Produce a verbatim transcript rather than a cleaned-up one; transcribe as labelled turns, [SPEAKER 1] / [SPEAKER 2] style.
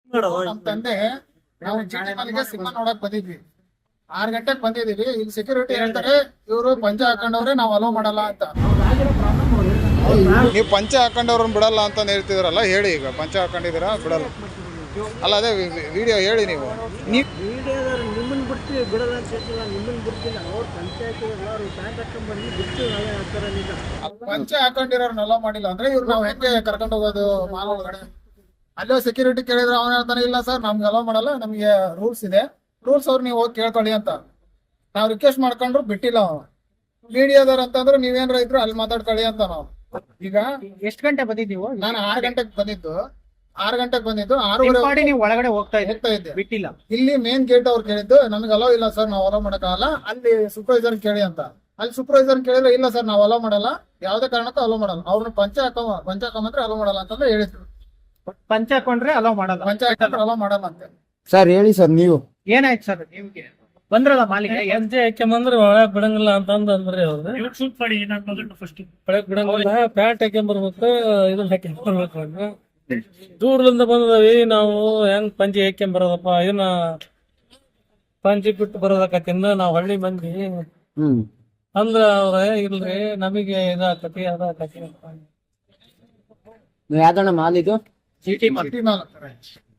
[SPEAKER 1] ನಮ್ ತಂದೆ ನಾವು ಚೀಟಿ ಮನೆಗೆ ಸಿನಿಮಾ ನೋಡಕ್ ಬಂದಿದ್ವಿ. ಆರ್ ಗಂಟೆಗೆ ಬಂದಿದೀವಿ. ಇಲ್ಲಿ ಸೆಕ್ಯೂರಿಟಿ ಹೇಳ್ತಾರೆ ಇವರು ಪಂಚ ಹಾಕೊಂಡವ್ರೆ ನಾವ್ ಅಲೋ ಮಾಡಲ್ಲ ಅಂತ.
[SPEAKER 2] ನೀವು ಪಂಚೆ ಹಾಕೊಂಡವ್ರನ್ನ ಬಿಡಲ್ಲ ಅಂತ ಹೇಳ್ತಿದ್ರಲ್ಲ, ಹೇಳಿ ಈಗ ಪಂಚೆ ಹಾಕೊಂಡಿದ್ದೀರಾ ಬಿಡಲ್ಲ ಅಲ್ಲ, ಅದೇ ವಿಡಿಯೋ ಹೇಳಿ ನೀವು. ನೀವು
[SPEAKER 3] ನಿಮ್ಮನ್ನ ಬಿಡ್ತೀವಿ ಬಿಡಲ್ಲ ಅಂತ ಹೇಳ್ತಿಲ್ಲ, ನಿಮ್ಮನ್ನ ಬಿಡ್ತೀನಿ. ಅವ್ರು ಪಂಚಾಯತ್ ಎಲ್ಲರೂ ಪ್ಯಾಂಟ್ ಹಾಕೊಂಡ್ ಬಂದು ಬಿಡ್ತೀವಿ ನಾಳೆ ಹಾಕ್ತಾರ. ನಿಜ
[SPEAKER 1] ಪಂಚೆ ಹಾಕೊಂಡಿರೋರ್ನ ಅಲೋ ಮಾಡಿಲ್ಲ ಅಂದ್ರೆ ಇವ್ರು ನಾವ್ ಹೆಂಗೆ ಕರ್ಕೊಂಡು ಹೋಗೋದು ಮಾಲ್ ಒಳಗಡೆ? ಅಲ್ಲೋ ಸೆಕ್ಯೂರಿಟಿ ಕೇಳಿದ್ರೆ ಅವನ ಹೇಳ್ತಾನೆ ಇಲ್ಲ ಸರ್ ನಮ್ಗೆ ಅಲೋ ಮಾಡಲ್ಲ, ನಮ್ಗೆ ರೂಲ್ಸ್ ಇದೆ, ರೂಲ್ಸ್ ಅವ್ರು ನೀವು ಹೋಗಿ ಕೇಳ್ಕೊಳ್ಳಿ ಅಂತ. ನಾವ್ ರಿಕ್ವೆಸ್ಟ್ ಮಾಡ್ಕೊಂಡ್ರು ಬಿಟ್ಟಿಲ್ಲ ಅವನು. ಮೀಡಿಯಾದವ್ರು ಅಂತಂದ್ರೆ ನೀವೇನ್ರ ಇದ್ರು ಅಲ್ಲಿ ಮಾತಾಡ್ಕೊಳ್ಳಿ ಅಂತ ನಾವು. ಈಗ
[SPEAKER 3] ಎಷ್ಟು ಗಂಟೆ ಬಂದಿದ್ದೀವಿ?
[SPEAKER 1] ನಾನು ಆರ್ ಗಂಟೆಗೆ ಬಂದಿದ್ದು ಆರ್ ಗಂಟೆಗೆ ಬಂದಿದ್ದು ಆರೂವರೆ
[SPEAKER 3] ನೀವು ಒಳಗಡೆ ಹೋಗ್ತಾ ಇದ್ದೆ,
[SPEAKER 1] ಹೋಗ್ತಾ ಇದ್ದೆ,
[SPEAKER 3] ಬಿಟ್ಟಿಲ್ಲ.
[SPEAKER 1] ಇಲ್ಲಿ ಮೇನ್ ಗೇಟ್ ಅವ್ರು ಕೇಳಿದ್ದು ನಮ್ಗೆ ಅಲೋ ಇಲ್ಲ ಸರ್, ನಾವು ಅಲೋ ಮಾಡಕ್ಕಾಗಲ್ಲ, ಅಲ್ಲಿ ಸೂಪರ್ವೈಸರ್ ಕೇಳಿ ಅಂತ. ಅಲ್ಲಿ ಸೂಪರ್ವೈಸರ್ ಕೇಳಿದ್ರೆ ಇಲ್ಲ ಸರ್ ನಾವು ಅಲೋ ಮಾಡಲ್ಲ, ಯಾವ್ದೇ ಕಾರಣಕ್ಕೂ ಅಲೋ ಮಾಡಲ್ಲ, ಅವ್ರನ್ನ ಪಂಚ ಹಾಕೋ ಪಂಚ ಹಾಕೊಂಬಂದ್ರೆ ಅಲೋ ಮಾಡಲ್ಲ ಅಂತಂದ್ರೆ ಹೇಳಿದ್ರು.
[SPEAKER 3] ಪಂಚ ಹಾಕೊಂಡ್ರೆ ಅಲೋ ಮಾಡಲ್ಲ,
[SPEAKER 1] ಪಂಚ ಹಾಕೊಂಡ್ರೆ ಅಲೋ ಮಾಡಲ್ಲ ಅಂತ.
[SPEAKER 4] ಸರ್ ಹೇಳಿ ಸರ್ ನೀವು.
[SPEAKER 3] ಏನಾಯ್ತು ಸರ್ ನಿಮ್ಗೆ? ಬಂದ್ರಲ್ಲ ಮಾಲಿಕ
[SPEAKER 5] ಹೆಜ್ಜೆ ಹಾಕ್ಯಂಬಂದ್ರೆ ಒಳಗ್ ಬಿಡಂಗಿಲ್ಲ ಅಂತ ಅಂದ್ರಿ ಅವ್ರು. ಒಳಗ್ ಬಿಡಂಗಿಲ್ಲ, ಪ್ಯಾಂಟ್ ಹಾಕ್ಯಂಬರ್ಬೇಕು, ಇದನ್ನ ಹಾಕ್ಯಂಬರ್ಬೇಕು ಅಂತ. ದೂರದಿಂದ ಬಂದವಿ ನಾವು, ಹೆಂಗ್ ಪಂಚಿ ಹಾಕ್ಯಂಬರೋದಪ್ಪ, ಇದನ್ನ ಪಂಚಿ ಬಿಟ್ಟು ಬರೋದಕ್ಕತ್ತಿಂದ ನಾವ್ ಹಳ್ಳಿ ಮಂದಿ
[SPEAKER 4] ಹ್ಮ್
[SPEAKER 5] ಅಂದ್ರ ಅವ್ರ ಇಲ್ರಿ ನಮಗೆ ಇದಾಕತಿ ಅದಾಕತಿ ಅಂತ.
[SPEAKER 4] ಯಾವ್ದಣ್ಣ ಮಾಲ್ ಇದು?
[SPEAKER 3] ಚೀಟಿ ಮಾಡಿ
[SPEAKER 1] ಸಿಟಿ ಮಾಲ್ ಅಂತಾರೆ.